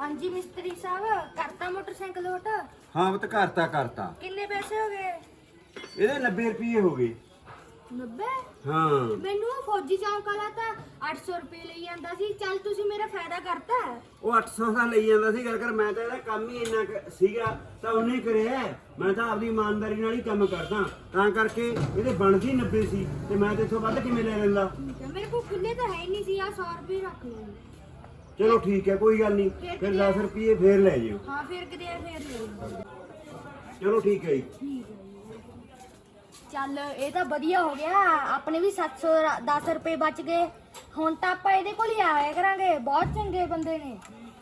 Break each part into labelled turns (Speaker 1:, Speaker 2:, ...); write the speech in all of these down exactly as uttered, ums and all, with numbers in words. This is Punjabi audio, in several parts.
Speaker 1: ਹਾਂਜੀ ਮਿਸਤਰੀ ਸਾਹਿਬ ਕਰਤਾ ਮੋਟਰਸਾਈਕਲ ਲੋਟ।
Speaker 2: ਹਾਂ ਪੁੱਤ ਕਰਤਾ ਕਰਤਾ।
Speaker 1: ਕਿੰਨੇ ਪੈਸੇ ਹੋ ਗਏ?
Speaker 2: ਇਹਦੇ ਨੱਬੇ ਰੁਪਏ ਹੋ ਗਏ।
Speaker 1: ਨੱਬੇ?
Speaker 2: ਹਾਂ
Speaker 1: ਮੈਨੂੰ ਉਹ ਫੌਜੀ ਚੌਂਕ ਵਾਲਾ ਤਾਂ ਅੱਠ ਸੌ ਰੁਪਏ ਲਈ ਜਾਂਦਾ ਸੀ। ਚੱਲ ਤੁਸੀਂ ਮੇਰਾ ਫਾਇਦਾ ਕਰਤਾ।
Speaker 2: ਉਹ ਅੱਠ ਸੌ ਦਾ ਲਈ ਜਾਂਦਾ ਸੀ ਗੱਲ ਕਰ। ਮੈਂ ਤਾਂ ਇਹਦਾ ਕੰਮ ਹੀ ਇੰਨਾ ਕੁ ਸੀਗਾ ਤਾਂ ਉਹਨੇ ਕਰਿਆ। ਮੈਂ ਤਾਂ ਆਪਦੀ ਇਮਾਨਦਾਰੀ ਨਾਲ ਹੀ ਕੰਮ ਕਰਦਾ, ਤਾਂ ਕਰਕੇ ਇਹਦੇ ਬਣਦੀ ਨੱਬੇ ਸੀ ਤੇ ਮੈਂ ਤੇ ਇਥੋਂ ਵੱਧ ਕਿਵੇਂ ਲੈ ਲੈਂਦਾ।
Speaker 1: ਮੇਰੇ ਕੋਲ ਖੁੱਲੇ ਤਾਂ ਹੈ ਹੀ ਨਹੀਂ ਸੀ। ਆ ਸੌ ਰੁਪਏ ਰੱਖ ਲਓ।
Speaker 2: ਚਲੋ ਠੀਕ ਹੈ, ਕੋਈ ਗੱਲ ਨਹੀਂ। ਫਿਰ ਦਸ ਰੁਪਏ ਫੇਰ ਲੈ ਜਿਓ।
Speaker 1: ਹਾਂ ਫਿਰ ਕਿਤੇ ਫੇਰ ਲੈ।
Speaker 2: ਚਲੋ ਠੀਕ ਹੈ ਜੀ।
Speaker 1: ਠੀਕ ਹੈ। ਚੱਲ ਇਹ ਤਾਂ ਵਧੀਆ ਹੋ ਗਿਆ, ਆਪਣੇ ਵੀ ਸੱਤ ਸੌ ਦਸ ਰੁਪਏ ਬਚ ਗਏ। ਹੁਣ ਤਾਂ ਆਪਾਂ ਇਹਦੇ ਕੋਲ ਹੀ ਆਇਆ ਕਰਾਂਗੇ, ਬਹੁਤ ਚੰਗੇ ਬੰਦੇ ਨੇ।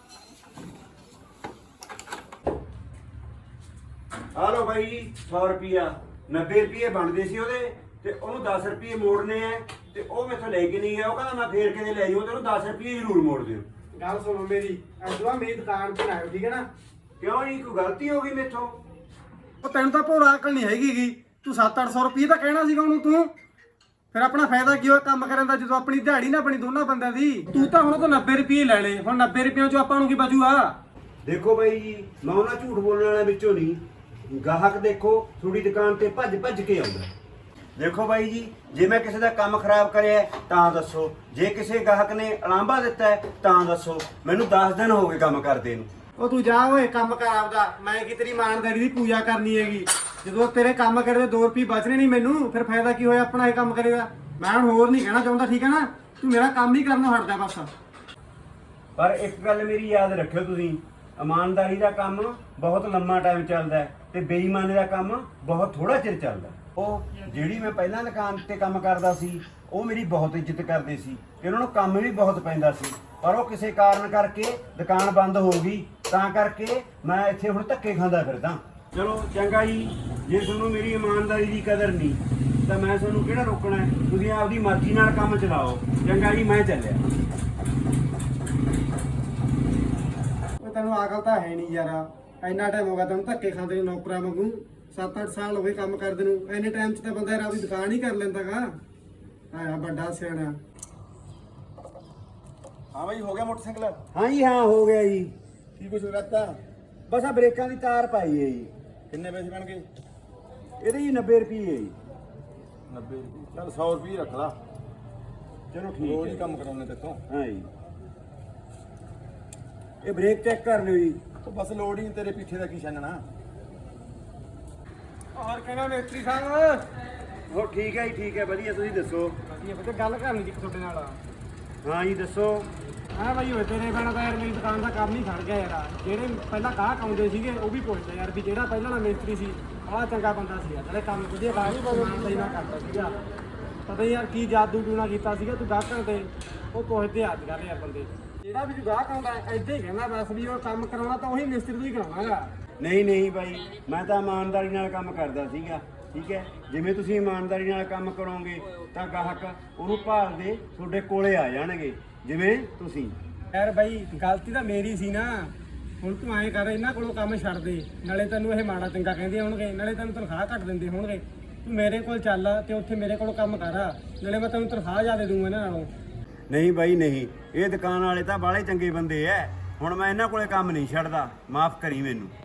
Speaker 2: ਆ ਲਓ ਬਾਈ ਜੀ ਸੌ ਰੁਪਿਆ। ਨੱਬੇ ਰੁਪਏ ਬਣਦੇ ਸੀ ਉਹਦੇ ਤੇ ਉਹਨੂੰ ਦਸ ਰੁਪਏ ਮੋੜਨੇ ਆ ਤੇ ਉਹ ਮੈਥੋਂ ਲੈ ਕੇ ਨਹੀਂ ਗਿਆ। ਉਹ ਕਹਿੰਦਾ ਮੈਂ ਫੇਰ ਕਿਤੇ ਲੈ ਜਾਊਂ ਤੇ ਉਹਨੂੰ ਦਸ ਰੁਪਏ ਜ਼ਰੂਰ ਮੋੜ ਦਿਓ।
Speaker 3: ਗੱਲ ਸੁਣੋ ਮੇਰੀ, ਅਜਵਾ ਮੇਰੀ ਦੁਕਾਨ ਤੇ ਆਇਓ, ਠੀਕ ਹੈ ਨਾ?
Speaker 2: ਕਿਉਂ ਜੀ, ਕੋਈ ਗਲਤੀ ਹੋ ਗਈ ਮੇਥੋਂ?
Speaker 3: ਉਹ ਤੈਨੂੰ ਤਾਂ ਭੋਰਾ ਅਕਲ ਨਹੀਂ ਹੈਗੀਗੀ। ਤੂੰ ਸੱਤ ਅੱਠ ਸੌ ਰੁਪਏ ਤਾਂ ਕਹਿਣਾ ਸੀਗਾ ਉਹਨੂੰ ਤੂੰ। ਫਿਰ ਆਪਣਾ ਫਾਇਦਾ ਕੀ ਹੋਇਆ ਕੰਮ ਕਰਨ ਦਾ ਜਦੋਂ ਆਪਣੀ ਦਿਹਾੜੀ ਨਾ ਬਣੀ ਦੋਨਾਂ ਬੰਦਿਆਂ ਦੀ। ਤੂੰ ਤਾਂ ਹੁਣ ਤਾਂ ਨੱਬੇ ਰੁਪਏ ਲੈ ਲਏ, ਹੁਣ ਨੱਬੇ ਰੁਪਏ ਚੋਂ ਆਪਾਂ ਨੂੰ ਕੀ ਬਚੂਗਾ?
Speaker 2: ਦੇਖੋ ਬਾਈ ਜੀ, ਮੈਂ ਉਹਨਾਂ ਝੂਠ ਬੋਲਣ ਵਾਲਿਆਂ ਵਿੱਚੋਂ ਨਹੀਂ। ਗਾਹਕ ਦੇਖੋ ਤੁਹਾਡੀ ਦੁਕਾਨ ਤੇ ਭੱਜ ਭੱਜ ਕੇ ਆਉਂਦਾ। ਦੇਖੋ ਬਾਈ ਜੀ, ਜੇ ਮੈਂ ਕਿਸੇ ਦਾ ਕੰਮ ਖਰਾਬ ਕਰਿਆ ਤਾਂ ਦੱਸੋ, ਜੇ ਕਿਸੇ ਗਾਹਕ ਨੇ ਉਲਾਂਭਾ ਦਿੱਤਾ ਹੈ ਤਾਂ ਦੱਸੋ। ਮੈਨੂੰ ਦਸ ਦਿਨ ਹੋ ਗਏ ਕੰਮ ਕਰਦੇ ਨੂੰ।
Speaker 3: ਉਹ ਤੂੰ ਜਾ ਓਏ ਕੰਮ ਕਰ ਆਪਦਾ। ਮੈਂ ਕੀ ਤੇਰੀ ਇਮਾਨਦਾਰੀ ਦੀ ਪੂਜਾ ਕਰਨੀ ਹੈਗੀ? ਜਦੋਂ ਤੇਰੇ ਕੰਮ ਕਰਦੇ ਦੋ ਰੁਪਏ ਬਚਣੇ ਨਹੀਂ ਮੈਨੂੰ, ਫਿਰ ਫਾਇਦਾ ਕੀ ਹੋਇਆ ਆਪਣਾ ਇਹ ਕੰਮ ਕਰੇਗਾ? ਮੈਂ ਹੁਣ ਹੋਰ ਨਹੀਂ ਕਹਿਣਾ ਚਾਹੁੰਦਾ, ਠੀਕ ਹੈ ਨਾ? ਤੂੰ ਮੇਰਾ ਕੰਮ ਹੀ ਕਰਨੋਂ ਹਟਦਾ ਬਸ।
Speaker 2: ਪਰ ਇੱਕ ਗੱਲ ਮੇਰੀ ਯਾਦ ਰੱਖਿਓ ਤੁਸੀਂ, ਇਮਾਨਦਾਰੀ ਦਾ ਕੰਮ ਬਹੁਤ ਲੰਮਾ ਟਾਈਮ ਚੱਲਦਾ ਹੈ ਤੇ ਬੇਈਮਾਨੀ ਦਾ ਕੰਮ ਬਹੁਤ ਥੋੜਾ ਚਿਰ ਚੱਲਦਾ। ਉਹ ਜਿਹੜੀ ਮੈਂ ਪਹਿਲਾਂ ਦੁਕਾਨ ਤੇ ਕੰਮ ਕਰਦਾ ਸੀ ਉਹ ਮੇਰੀ ਬਹੁਤ ਇੱਜ਼ਤ ਕਰਦੇ ਸੀ ਤੇ ਉਹਨਾਂ ਨੂੰ ਕੰਮ ਵੀ ਬਹੁਤ ਪੈਂਦਾ ਸੀ, ਪਰ ਉਹ ਕਿਸੇ ਕਾਰਨ ਕਰਕੇ ਦੁਕਾਨ ਬੰਦ ਹੋ ਗਈ, ਤਾਂ ਕਰਕੇ ਮੈਂ ਇੱਥੇ ਹੁਣ ਧੱਕੇ ਖਾਂਦਾ ਫਿਰਦਾ। ਚਲੋ ਚੰਗਾ ਜੀ, ਜੇ ਤੁਹਾਨੂੰ ਮੇਰੀ ਇਮਾਨਦਾਰੀ ਦੀ ਕਦਰ ਨਹੀਂ ਤਾਂ ਮੈਂ ਤੁਹਾਨੂੰ ਕਿਹੜਾ ਰੋਕਣਾ ਹੈ? ਤੁਸੀਂ ਆਪਦੀ ਮਰਜ਼ੀ ਨਾਲ ਕੰਮ ਚਲਾਓ। ਚੰਗਾ ਜੀ, ਮੈਂ ਚੱਲਿਆ।
Speaker 3: ਉਹ ਤੈਨੂੰ ਅਕਲ ਤਾਂ ਹੈ ਨਹੀਂ ਯਾਰ। ਇੰਨਾ ਟਾਈਮ ਹੋ ਗਿਆ ਤੈਨੂੰ ਧੱਕੇ ਖਾਂਦੇ ਨੂੰ ਨੌਕਰਾਂ ਵਾਂਗੂ। ਸੱਤ ਅੱਠ ਸਾਲ ਹੋ ਗਏ ਕੰਮ ਕਰਦੇ ਨੂੰ। ਇੰਨੇ ਟਾਈਮ 'ਚ ਤਾਂ ਬੰਦਾ ਯਾਰ ਆਪਦੀ ਦੁਕਾਨ ਹੀ ਕਰ ਲੈਂਦਾਗਾ। ਆਇਆ ਵੱਡਾ ਸਿਆਣਾ।
Speaker 4: हाँ भाई, हो गया मोटरसाइकिल?
Speaker 2: ਹਾਂ ਜੀ ਹਾਂ, ਹੋ ਗਿਆ ਜੀ।
Speaker 4: की कुछ रहता?
Speaker 2: ਬਸ ਆ ਬ੍ਰੇਕਾਂ ਦੀ ਤਾਰ ਪਾਈ ਹੈ ਜੀ।
Speaker 4: किन्ने पैसे बन गए?
Speaker 2: ਇਹਦੇ ਜੀ ਨੱਬੇ ਰੁਪਏ ਹੈ ਜੀ।
Speaker 4: नब्बे रुपये। चल सौ रुपये रख ला,
Speaker 2: ਚਲੋ
Speaker 4: रोज
Speaker 2: ਠੀਕ
Speaker 4: ही
Speaker 2: ਹੈ।
Speaker 4: कम कराने तेरे तो।
Speaker 2: ਹਾਂ ਜੀ, ਇਹ ਬ੍ਰੇਕ ਚੈੱਕ ਕਰ ਲਿਓ ਜੀ।
Speaker 4: तो बस लोड ही तेरे पीछे का की छानना।
Speaker 3: ਔਰ ਕਹਿੰਦਾ ਮਿਸਤਰੀ ਸਾਹਿਬ,
Speaker 2: ਹੋ ਠੀਕ ਹੈ ਜੀ, ਠੀਕ ਹੈ, ਵਧੀਆ। ਤੁਸੀਂ ਦੱਸੋ।
Speaker 3: ਵਧੀਆ ਵਧੀਆ। ਗੱਲ ਕਰਨੀ ਸੀ ਤੁਹਾਡੇ ਨਾਲ।
Speaker 2: ਹਾਂ ਜੀ ਦੱਸੋ।
Speaker 3: ਹਾਂ ਭਾਈ, ਹੋਏ ਤੇਰੇ ਬਿਨਾਂ ਤਾਂ ਯਾਰ ਮੇਰੀ ਦੁਕਾਨ ਦਾ ਕੰਮ ਹੀ ਖੜ ਗਿਆ ਯਾਰ। ਜਿਹੜੇ ਪਹਿਲਾਂ ਗਾਹਕ ਆਉਂਦੇ ਸੀਗੇ ਉਹ ਵੀ ਪੁੱਛਦੇ ਯਾਰ ਵੀ ਜਿਹੜਾ ਪਹਿਲਾਂ ਵਾਲਾ ਮਿਸਤਰੀ ਸੀ ਆਹ ਚੰਗਾ ਬੰਦਾ ਸੀ ਯਾਰ, ਜਿਹੜੇ ਕੰਮ ਵਧੀਆ ਗਾਹਕ ਸਹੀ ਨਾ ਕਰਦਾ ਸੀਗਾ। ਪਤਾ ਨੀ ਯਾਰ ਕੀ ਜਾਦੂ ਟੂਣਾ ਕੀਤਾ ਸੀਗਾ ਤੂੰ ਗਾਹਕਾਂ ਤੇ। ਉਹ ਪੁੱਛਦੇ ਅੱਜ ਕੱਲ੍ਹ ਯਾਰ ਬੰਦੇ, ਜਿਹੜਾ ਵੀ ਗਾਹਕ ਆਉਂਦਾ ਏਦਾਂ ਹੀ ਕਹਿੰਦਾ ਬਸ ਵੀ ਉਹ ਕੰਮ ਕਰਾਉਣਾ ਤਾਂ ਉਹੀ ਮਿਸਤਰੀ ਤੋਂ ਹੀ ਕਰਾਉਣਾਗਾ।
Speaker 2: ਨਹੀਂ ਨਹੀਂ ਬਾਈ, ਮੈਂ ਤਾਂ ਇਮਾਨਦਾਰੀ ਨਾਲ ਕੰਮ ਕਰਦਾ ਸੀਗਾ, ਠੀਕ ਹੈ? ਜਿਵੇਂ ਤੁਸੀਂ ਇਮਾਨਦਾਰੀ ਨਾਲ ਕੰਮ ਕਰੋਗੇ ਤਾਂ ਗਾਹਕ ਉਹਨੂੰ ਭਾਲਦੇ ਤੁਹਾਡੇ ਕੋਲੇ ਆ ਜਾਣਗੇ, ਜਿਵੇਂ ਤੁਸੀਂ।
Speaker 3: ਯਾਰ ਬਾਈ, ਗਲਤੀ ਤਾਂ ਮੇਰੀ ਸੀ ਨਾ। ਹੁਣ ਤੂੰ ਐਂ ਕਰ, ਇਹਨਾਂ ਕੋਲੋਂ ਕੰਮ ਛੱਡ ਦੇ। ਨਾਲੇ ਤੈਨੂੰ ਇਹ ਮਾੜਾ ਚੰਗਾ ਕਹਿੰਦੇ ਹੋਣਗੇ, ਨਾਲੇ ਤੈਨੂੰ ਤਨਖਾਹ ਘੱਟ ਦਿੰਦੇ ਹੋਣਗੇ। ਤੂੰ ਮੇਰੇ ਕੋਲ ਚੱਲ ਤੇ ਉੱਥੇ ਮੇਰੇ ਕੋਲੋਂ ਕੰਮ ਕਰ, ਨਾਲੇ ਮੈਂ ਤੈਨੂੰ ਤਨਖਾਹ ਜ਼ਿਆਦਾ ਦੂੰਗਾ ਇਹਨਾਂ ਨਾਲੋਂ।
Speaker 2: ਨਹੀਂ ਬਾਈ ਨਹੀਂ, ਇਹ ਦੁਕਾਨ ਵਾਲੇ ਤਾਂ ਬਾਹਲੇ ਚੰਗੇ ਬੰਦੇ ਐ। ਹੁਣ ਮੈਂ ਇਹਨਾਂ ਕੋਲੇ ਕੰਮ ਨਹੀਂ ਛੱਡਦਾ, ਮਾਫ ਕਰੀ ਮੈਨੂੰ।